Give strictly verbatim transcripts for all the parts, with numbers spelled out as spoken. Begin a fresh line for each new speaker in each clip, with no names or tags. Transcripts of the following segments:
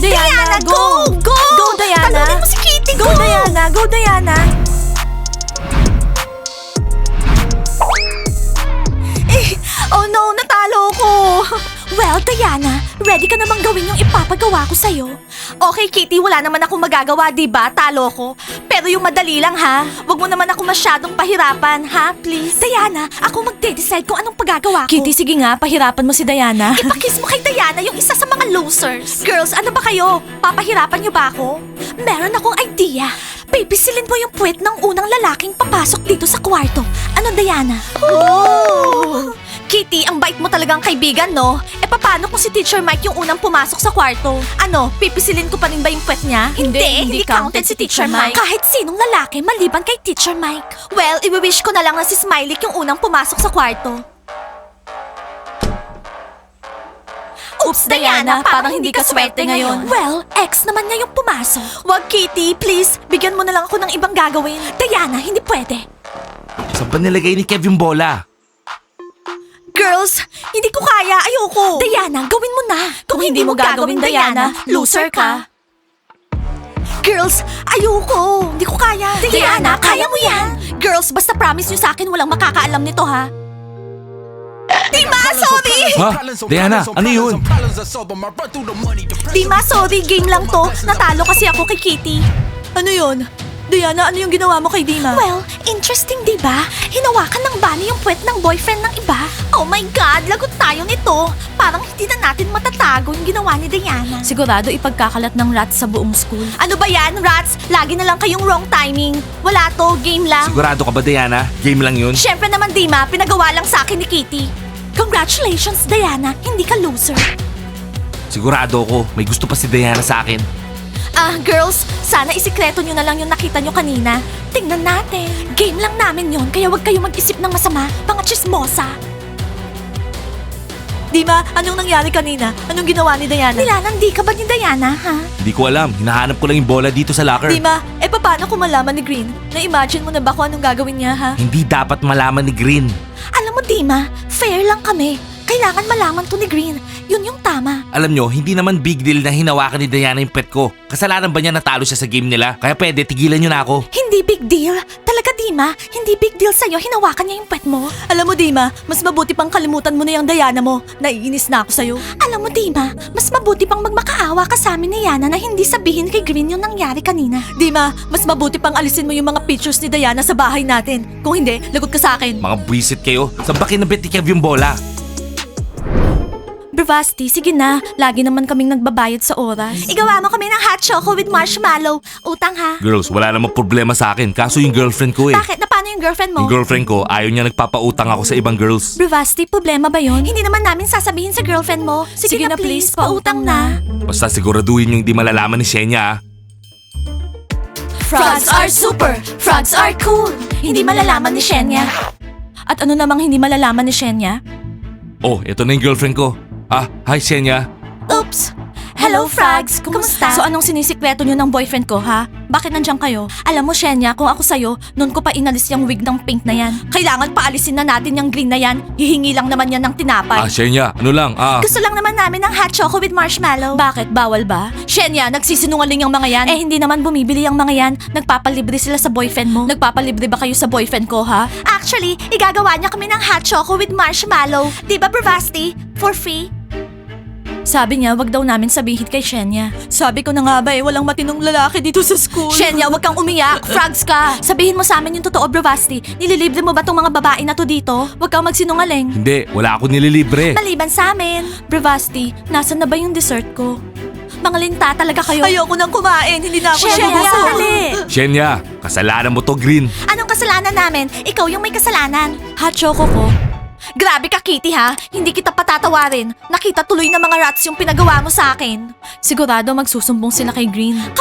Diana, go! Go!
Go, Diana!
Talunin mo si Kitty,
Go,
go!
Diana! Go, Diana!
Eh, oh no, natalo ko! Well, Diana, ready ka namang gawin yung ipapagawa ko sa'yo. Okay, Kitty, wala naman akong magagawa, di ba? Talo ko. Pero yung madali lang, ha? Huwag mo naman ako masyadong pahirapan, ha? Please? Diana, ako magde-decide kung anong pagagawa ko.
Kitty, sige nga, pahirapan mo si Diana.
Ipakiss mo kay Diana yung isa sa mga losers. Girls, ano ba kayo? Papahirapan niyo ba ako? Meron akong idea. Pipisilin mo yung puwet ng unang lalaking papasok dito sa kwarto. Ano, Diana? Oh! Kitty, ang bait mo talagang kaibigan, no? E paano kung si Teacher Mike yung unang pumasok sa kwarto? Ano, pipisilin ko pa rin ba yung puwet niya?
Hindi, hindi counted si Teacher Mike.
Kahit sinong lalaki maliban kay Teacher Mike. Well, i-wish ko na lang na si Smiley yung unang pumasok sa kwarto. Oops, Diana, parang hindi ka swerte ngayon. Well, ex naman niya yung pumasok. Wag, Kitty, please. Bigyan mo na lang ako ng ibang gagawin. Diana, hindi pwede.
Saan pa nilagay ni Kevin bola?
Girls, hindi ko kaya. Ayoko. Diana, gawin mo na. Kung, hindi mo gagawin, Diana, loser ka. Girls, ayoko. Hindi ko kaya. Diana, kaya mo yan. Girls, basta promise nyo sa akin walang makakaalam nito, ha? Dima, sorry!
Ha? Diana, ano yun?
Dima, sorry. Game lang to. Natalo kasi ako kay Kitty.
Ano yun? Diana, ano yung ginawa mo kay Dima?
Well, interesting, di ba? Hinawakan ng bunny yung puwet ng boyfriend ng iba. Oh my God, lagot tayo nito. Parang hindi na natin matatago yung ginawa ni Diana.
Sigurado ipagkakalat ng rats sa buong school.
Ano ba yan, rats? Lagi na lang kayong wrong timing. Wala to, game lang.
Sigurado ka ba, Diana? Game lang yun?
Siyempre naman, Dima, pinagawa lang sa akin ni Kitty. Congratulations, Diana. Hindi ka loser.
Sigurado ako, may gusto pa si Diana sa akin.
Ah, girls, sana isikreto nyo na lang yung nakita nyo kanina. Tingnan natin. Game lang namin yon, kaya wag kayo mag-isip ng masama, mga chismosa.
Dima, anong nangyari kanina? Anong ginawa ni Diana?
Nilalandi ka ba ni Diana, ha?
Hindi ko alam, hinahanap ko lang yung bola dito sa locker.
Dima, eh paano kung malaman ni Green? Na-imagine mo na ba kung anong gagawin niya, ha?
Hindi dapat malaman ni Green.
Alam mo, Dima, fair lang kami. Kailangan malaman to ni Green. Yun yung tama.
Alam nyo, hindi naman big deal na hinawakan ni Diana yung pet ko. Kasalanan ba niya natalo siya sa game nila? Kaya pwede, tigilan nyo na ako.
Hindi big deal. Talaga, Dima, hindi big deal sa'yo. Hinawakan niya yung pet mo.
Alam mo, Dima, mas mabuti pang kalimutan mo na yung Diana mo. Naiinis na ako sa'yo.
Alam mo, Dima, mas mabuti pang magmakaawa ka sa amin ni Yana na hindi sabihin kay Green yung nangyari kanina.
Dima, mas mabuti pang alisin mo yung mga pictures ni Diana sa bahay natin. Kung hindi, lagot ka sa akin.
Mga buwisit kayo. Saan ba kinabit ni Kev yung bola?
Bravasti, sige na. Lagi naman kaming nagbabayad sa oras.
Igawa mo kami ng hot choco with marshmallow. Utang, ha?
Girls, wala namang problema sa akin. Kaso yung girlfriend ko eh.
Bakit? Na paano yung girlfriend mo?
Yung girlfriend ko, ayaw niya nagpapautang ako sa ibang girls.
Bravasti, problema ba yon?
Hindi naman namin sasabihin sa girlfriend mo. Sige,
Sige
na,
na,
please,
please,
pautang na.
Basta siguraduhin yung hindi malalaman ni Shenya ah.
Frogs are super! Frogs are cool! Hindi malalaman ni Shenya.
At ano namang hindi malalaman ni Shenya?
Oh, ito na yung girlfriend ko. Ah, hi Shenya.
Oops! Hello, Frogs! Kumusta?
So anong sinisikreto nyo ng boyfriend ko, ha? Bakit nandiyan kayo? Alam mo, Shenya, kung ako sa'yo, noon ko pa inalis yung wig ng pink na yan. Kailangan paalisin na natin yung green na yan. Hihingi lang naman yan ng tinapay.
Ah, Shenya, ano lang, ah.
Gusto lang naman namin ng hot choco with marshmallow.
Bakit? Bawal ba? Shenya, nagsisinungaling yung mga yan. Eh, hindi naman bumibili yung mga yan. Nagpapalibre sila sa boyfriend mo. Nagpapalibre ba kayo sa boyfriend ko, ha?
Actually, igagawa niya kami ng hot choco with marshmallow. Di ba, Bravasti? For free?
Sabi niya, wag daw namin sabihin kay Shenya. Sabi ko na nga ba eh, walang matinong lalaki dito sa school.
Shenya, wag kang umiyak. Frogs ka. Sabihin mo sa amin yung totoo, Bravasti. Nililibre mo ba tong mga babae na to dito?
Wag kang magsinungaling.
Hindi, wala ako nililibre.
Maliban sa amin.
Bravasti, nasan na ba yung dessert ko?
Mga linta talaga kayo.
Ayoko nang kumain, hindi na ako
Shenya,
nabubusog.
dali.
Shenya, kasalanan mo to, Green.
Anong kasalanan namin? Ikaw yung may kasalanan.
Hot choco ko.
Grabe ka, Kitty, ha? Hindi kita patatawarin. Nakita tuloy ng mga rats yung pinagawa mo sa akin.
Sigurado magsusumbong sila kay Green.
Kapag nalaman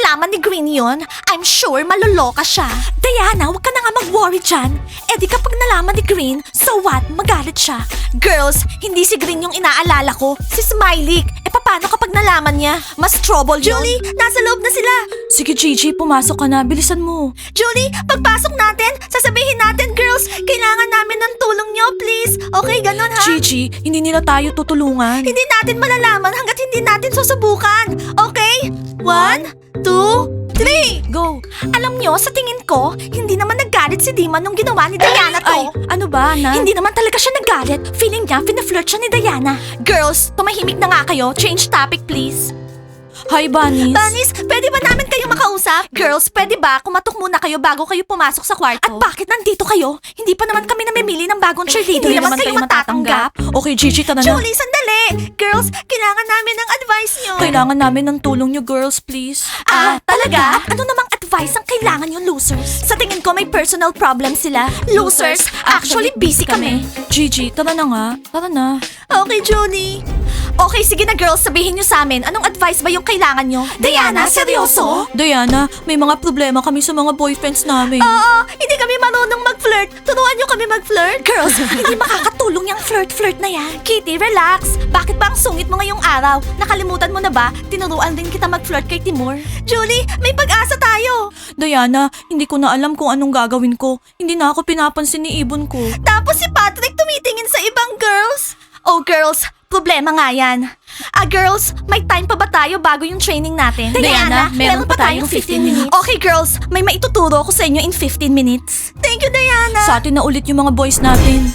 nalaman ni Green yun, I'm sure maluloka siya. Diana, huwag ka na nga mag-worry dyan. Eh di kapag nalaman ni Green, so what? Magalit siya. Girls, hindi si Green yung inaalala ko. Si Smiley. Eh paano kapag nalaman niya? Mas trouble yun. Julie, nasa loob na sila.
Sige, Gigi, pumasok ka na. Bilisan mo.
Julie, pagpasok natin, sasabihin natin, girls, kailangan namin ng tulong nyo, please. Okay, ganun ha?
Gigi, hindi nila tayo tutulungan.
Hindi natin malalaman hanggat hindi natin susubukan. Okay? One, two, three.
Go.
Alam nyo, sa tingin ko, hindi naman nagalit si Dima nung ginawa ni Diana to.
Ay, ano ba, na?
Hindi naman talaga siya nagalit. Feeling niya, fina-flirt siya ni Diana. Girls, tumahimik na nga kayo. Change topic, please.
Hi, Bunnies.
Bunnies, pwede ba namin kayo makausap? Girls, pwede ba kumatok muna kayo bago kayo pumasok sa kwarto? At bakit nandito kayo? Hindi pa naman kami namimili ng bagong cheerleader.
Hindi naman kayo matatanggap. Okay, Gigi, tara na.
Julie, sandali! Girls, kailangan namin ng advice nyo.
Kailangan namin ng tulong nyo, girls, please.
Ah, talaga? Ano namang advice ang kailangan yung losers? Sa tingin ko may personal problem sila. Losers? Actually, busy kami.
Gigi, tara na nga. Tara na.
Okay, Julie. Okay, sige na girls, sabihin nyo sa amin, anong advice ba yung kailangan nyo? Diana, seryoso?
Diana, may mga problema kami sa mga boyfriends namin.
Oo, hindi kami marunong mag-flirt. Turuan nyo kami mag-flirt. Girls, hindi makakatulong yung flirt-flirt na yan. Kitty, relax. Bakit ba ang sungit mo ngayong araw? Nakalimutan mo na ba? Tinuruan din kita mag-flirt kay Timur. Julie, may pag-asa tayo.
Diana, hindi ko na alam kung anong gagawin ko. Hindi na ako pinapansin ni Ibon ko.
Tapos si Patrick tumitingin sa ibang girls. Oh, girls, problema nga yan. Ah, girls, may time pa ba tayo bago yung training natin?
Diana, meron pa tayong fifteen minutes.
Okay, girls, may maituturo ko sa inyo in fifteen minutes. Thank you, Diana.
Sa atin na ulit yung mga boys natin.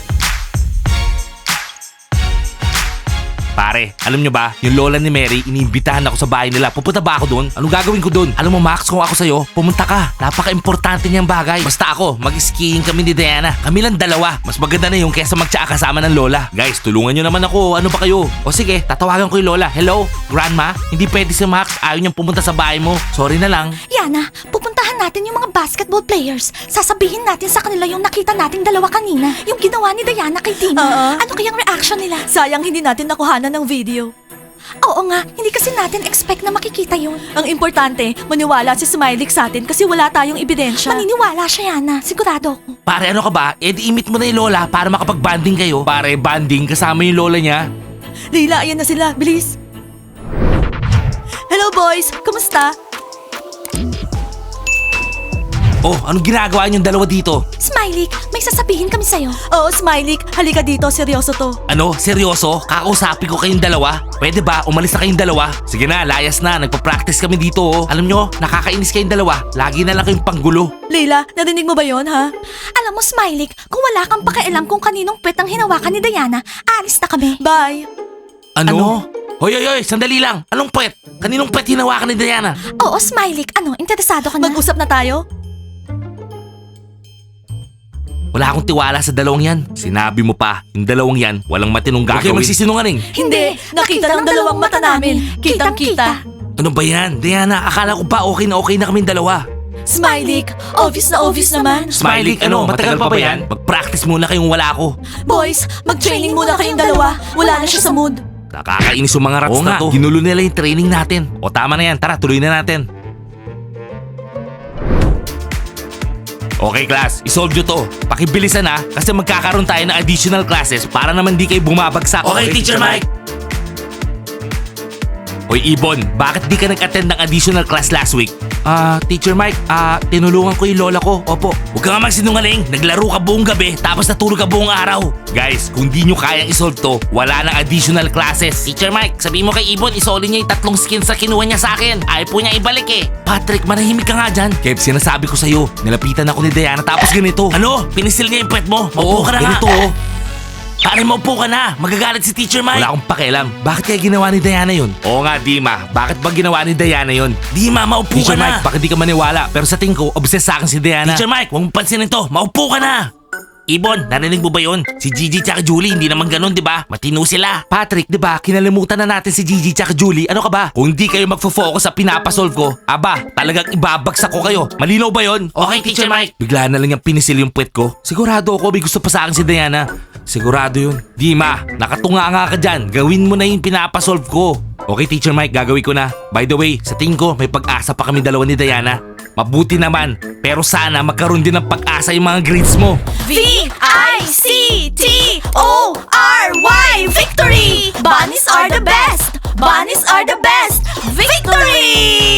Pare, alam nyo ba, yung lola ni Mary, iniimbitahan ako sa bahay nila. Pupunta ba ako doon? Anong gagawin ko doon? Alam mo Max, kung ako sa'yo, pumunta ka. Napaka-importante niyang bagay. Basta ako, mag-skiing kami ni Diana. Kami lang dalawa. Mas maganda na yung kesa magtsaa kasama ng lola. Guys, tulungan nyo naman ako. Ano ba kayo? O sige, tatawagan ko yung lola. Hello, grandma? Hindi pwede si Max. Ayaw niyang pumunta sa bahay mo. Sorry na lang.
Yana, pupuntahan natin yung mga basketball players. Sasabihin natin sa kanila yung nakita nating dalawa kanina. Yung ginawa ni Diana kay Dina.
Oo.
Ano kayang reaction nila?
Sayang hindi natin nakuhanan ng video.
Oo nga, hindi kasi natin expect na makikita yun.
Ang importante, maniwala si Smiley sa atin kasi wala tayong ebidensya.
Maniniwala siya, Yana. Sigurado ako.
Pare, ano ka ba? Eh, di imit mo na yung lola para makapag-banding kayo. Pare, banding kasama yung lola niya.
Leila, ayan na sila. Bilis. Hello boys, kumusta?
Oh, anong ginagawa niyong dalawa dito?
Smiley, may sasabihin kami sa'yo.
Oo, Smiley, halika dito, seryoso to.
Ano? Seryoso? Kakausapin ko kayong dalawa? Pwede ba? Umalis na kayong dalawa? Sige na, layas na. Nagpa-practice kami dito oh. Alam nyo, nakakainis kayong dalawa. Lagi na lang kayong panggulo.
Leila, narinig mo ba yon ha?
Alam mo, Smiley, kung wala kang pakialam kung kaninong pwet ang hinawakan ni Diana, alis na kami.
Bye.
Ano? Hoy, hoy, hoy, sandali lang. Anong pwet? Kaninong pwet hinawakan ni Diana?
Oo, Smiley, ano, interesado ka na?
Mag-usap na tayo?
Wala akong tiwala sa dalawang yan. Sinabi mo pa, yung dalawang yan, walang matinong gagawin. Okay, magsisinungaling.
Hindi, nakita ng dalawang mata namin. Kitang-kita.
Ano ba yan? Diana, akala ko ba okay na okay na kaming dalawa?
Smiley, obvious na obvious naman.
Smiley, ano? Matagal pa ba yan? Mag-practice muna kayong wala ako.
Boys, mag-training muna kayong dalawa. Wala na siya sa mood.
Nakakainis yung mga rats na to. Ginulo nila yung training natin. O tama na yan, tara, tuloy na natin. Okay class, isolve nyo to. Pakibilisan ha, kasi magkakaroon tayo ng additional classes para naman di kayo bumabagsak. Okay, Teacher Mike! Hoy Ibon, bakit di ka nag-attend ng additional class last week? Ah, Teacher Mike, ah, tinulungan ko yung lola ko. Opo. Huwag ka nga magsinungaling. Naglaro ka buong gabi, tapos natulog ka buong araw. Guys, kung di nyo kayang isolve to, wala nang additional classes. Teacher Mike, sabi mo kay Ibon, isolve niya yung tatlong skins na kinuha niya sa akin. Ayaw po niya ibalik eh. Patrick, manahimik ka nga dyan. Kev, sinasabi ko sa'yo, nilapitan ako ni Diana tapos ganito. Ano? Pinisil niya yung pet mo? Maupo ka na ganito oh. Pare, maupo ka na. Magagalit si Teacher Mike. Wala akong pakialam. Bakit kaya ginawa ni Diana yun? Oo nga, Dima. Bakit ba ginawa ni Diana yun? Dima, maupo Teacher ka na. Teacher Mike, bakit di ka maniwala? Pero sa tingin ko, obsessed sa akin si Diana. Teacher Mike, huwag mong pansinin to. Maupo ka na. Ibon, narinig mo ba yun? Si Gigi tsaka Julie, hindi naman ganun, di ba? Matino sila. Patrick, di ba? Kinalimutan na natin si Gigi tsaka Julie. Ano ka ba? Kung hindi kayo magfo-focus sa pinapasolve ko, aba, talagang ibabagsak ko kayo. Malinaw ba yun? Okay, Teacher Mike. Bigla na lang yung pinisil yung puwet ko. Sigurado ako may gusto pa sa akin si Diana. Sigurado yun. Dima, nakatunga nga ka dyan. Gawin mo na yung pinapasolve ko. Okay, Teacher Mike, gagawin ko na. By the way, sa tingin ko, may pag-asa pa kami dalawa ni Diana. Mabuti naman, pero sana magkaroon din ng pag-asa yung mga grades mo.
V I C T O R Y Victory! Bunnies are the best! Bunnies are the best! Victory!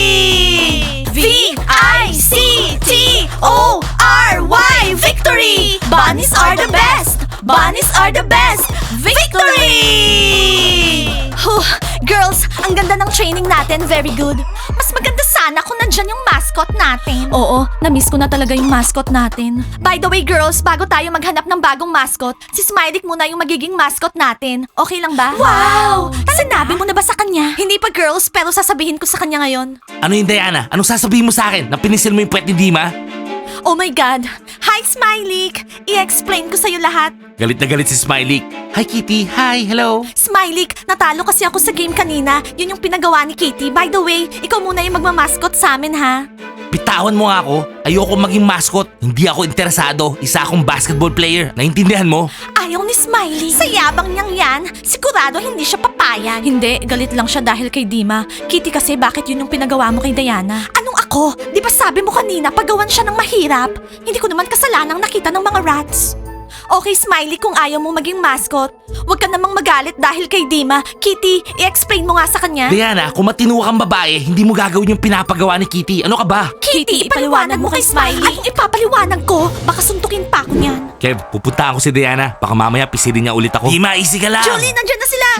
V I C T O R Y Victory! Bunnies are the best! Bunnies are the best! Victory! Huh, girls, ang ganda ng training natin. Very good. Mas maganda sana kung nandyan yung mascot natin.
Oo, na-miss ko na talaga yung mascot natin.
By the way, girls, bago tayo maghanap ng bagong mascot, si Smiley muna yung magiging mascot natin. Okay lang ba? Wow! Sinabi mo na ba sa kanya? Hindi pa, girls, pero sasabihin ko sa kanya ngayon.
Ano yung Diana? Anong sasabihin mo sa akin? Na pinisil mo yung puwet ni Dima?
Oh my God! Hi, Smiley! I-explain ko sa'yo lahat.
Galit na galit si Smiley. Hi Kitty, hi, hello.
Smiley, natalo kasi ako sa game kanina. Yun yung pinagawa ni Kitty. By the way, ikaw muna yung magmamaskot sa amin, ha?
Bitawan mo nga ako. Ayoko maging mascot. Hindi ako interesado. Isa akong basketball player. Naintindihan mo?
Ayaw ni Smiley. Sa yabang niyang yan, sigurado hindi siya papayag.
Hindi, galit lang siya dahil kay Dima. Kitty kasi bakit yun yung pinagawa mo kay Diana?
Anong ako? Di ba sabi mo kanina pagawan siya ng mahirap? Hindi ko naman kasalanang nakita ng mga rats. Okay, Smiley, kung ayaw mong maging mascot, huwag ka namang magalit dahil kay Dima. Kitty, i-explain mo nga sa kanya.
Diana, kung matino kang babae, hindi mo gagawin yung pinapagawa ni Kitty. Ano ka ba?
Kitty, ipaliwanag mo kay Smiley. Anong ipapaliwanag ko? Baka suntukin pa ako niyan.
Kev, pupunta ako si Diana. Baka mamaya pisilin niya ulit ako. Dima, easy ka lang.
Julie, nandyan na sila!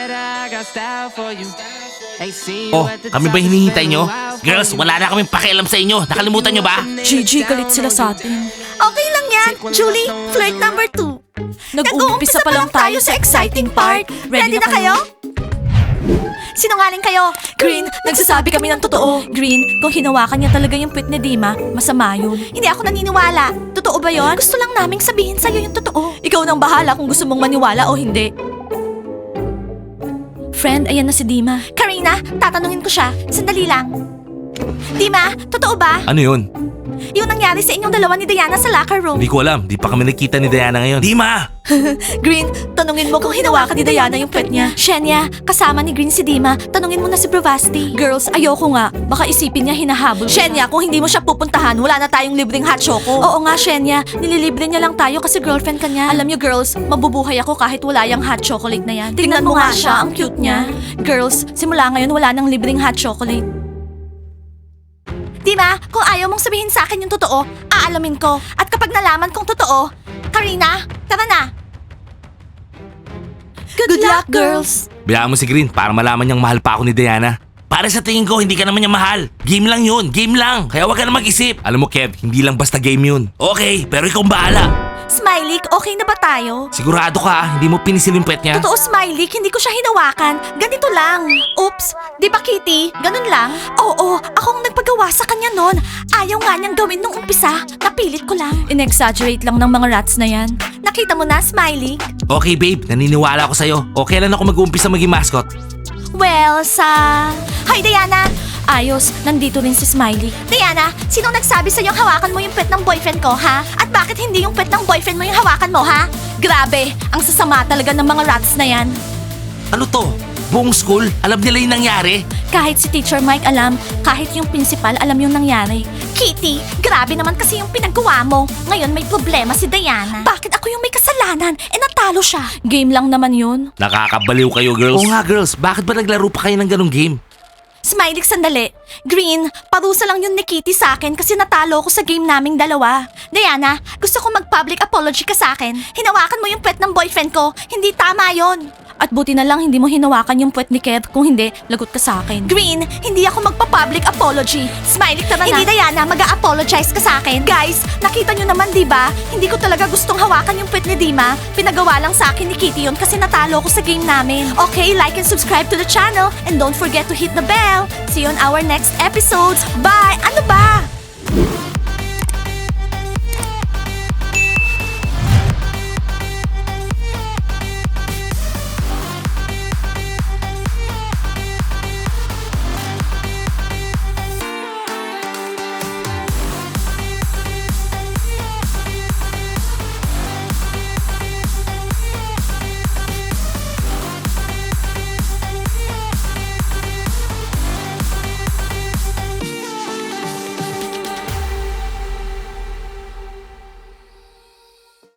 Oh, kami ba hinihintay nyo? Girls, wala na kaming pakialam sa inyo. Nakalimutan nyo ba?
Gigi, galit sila sa atin.
Okay lang yan. Julie, flirt number two.
Nag-uumpisa pa lang tayo sa exciting part.
Ready na kayo? Sinungaling kayo.
Green, nagsasabi kami ng totoo. Green, kung hinawakan niya talaga yung puwet ni Dima, masama yun.
Hindi ako naniniwala. Totoo ba yon? Gusto lang naming sabihin sa'yo yung totoo.
Ikaw nang bahala kung gusto mong maniwala o hindi. Friend, ayan na si Dima.
Karina, tatanungin ko siya. Sandali lang. Dima, totoo ba?
Ano yun?
Yung nangyari sa inyong dalawa ni Diana sa locker room.
Hindi ko alam. Di pa kami nakita ni Diana ngayon. Dima!
Green, tanungin mo kung hinawakan ni Diana yung puwet niya.
Shenya, kasama ni Green si Dima. Tanungin mo na si Bravasti.
Girls, ayoko nga. Baka isipin niya hinahabol. Shenya, kung hindi mo siya pupuntahan, wala na tayong libreng hot choco. Oo nga, Shenya. Nililibre niya lang tayo kasi girlfriend ka niya. Alam niyo, girls, mabubuhay ako kahit wala yung hot chocolate na yan. Tingnan mo nga siya, ang cute niya. Girls, simula ngayon wala nang libreng hot chocolate.
Dima, kung ayaw mong sabihin sa akin yung totoo, aalamin ko. At kapag nalaman kong totoo, Karina, tara na.
Good, luck, girls.
Bayaan mo si Green para malaman niyang mahal pa ako ni Diana. Para sa tingin ko, hindi ka naman niya mahal. Game lang yun, game lang. Kaya wag ka na mag-isip. Alam mo, Kev, hindi lang basta game yun. Okay, pero ikaw ang bahala.
Smiley, okay na ba tayo?
Sigurado ka, ah, hindi mo pinisil yung puwet niya?
Totoo, Smiley, hindi ko siya hinawakan. Ganito lang. Oops, di ba Kitty? Ganun lang? Oo, akong nagpagawa sa kanya nun. Ayaw nga niyang gawin nung umpisa. Napilit ko lang.
In-exaggerate lang ng mga rats na yan.
Nakita mo na, Smiley?
Okay, babe, naniniwala ako sa'yo. O kailan ako mag-uumpisa maging mascot?
Well, sa... Hoy, Diana!
Ayos, nandito rin si Smiley.
Diana, sinong nagsabi sa'yong hawakan mo yung pet ng boyfriend ko, ha? At bakit hindi yung pet ng boyfriend mo yung hawakan mo, ha?
Grabe, ang sasama talaga ng mga rats na yan.
Ano to? Buong school? Alam nila yung nangyari?
Kahit si Teacher Mike alam, kahit yung principal alam yung nangyari.
Kitty, grabe naman kasi yung pinagawa mo. Ngayon may problema si Diana. Bakit ako yung may kasalanan? Eh natalo siya.
Game lang naman yun.
Nakakabaliw kayo, girls. Oo nga, girls. Bakit ba naglaro pa kayo ng ganong game?
Smiley, sandali. Green, parusa lang yun ni Kitty sa akin kasi natalo ko sa game naming dalawa. Diana, gusto ko mag-public apology ka sa akin. Hinawakan mo yung pet ng boyfriend ko. Hindi tama yon.
At buti na lang hindi mo hinawakan yung puwet ni Kev. Kung hindi, lagot ka sa akin.
Green, hindi ako magpa-public apology. Smiley, tara na. Hindi, Diana, mag-a-apologize ka sa akin. Guys, nakita nyo naman, di ba? Hindi ko talaga gustong hawakan yung puwet ni Dima. Pinagawa lang sa akin ni Kitty yun kasi natalo ko sa game namin. Okay, like and subscribe to the channel and don't forget to hit the bell. See you on our next episodes. Bye! Ano ba?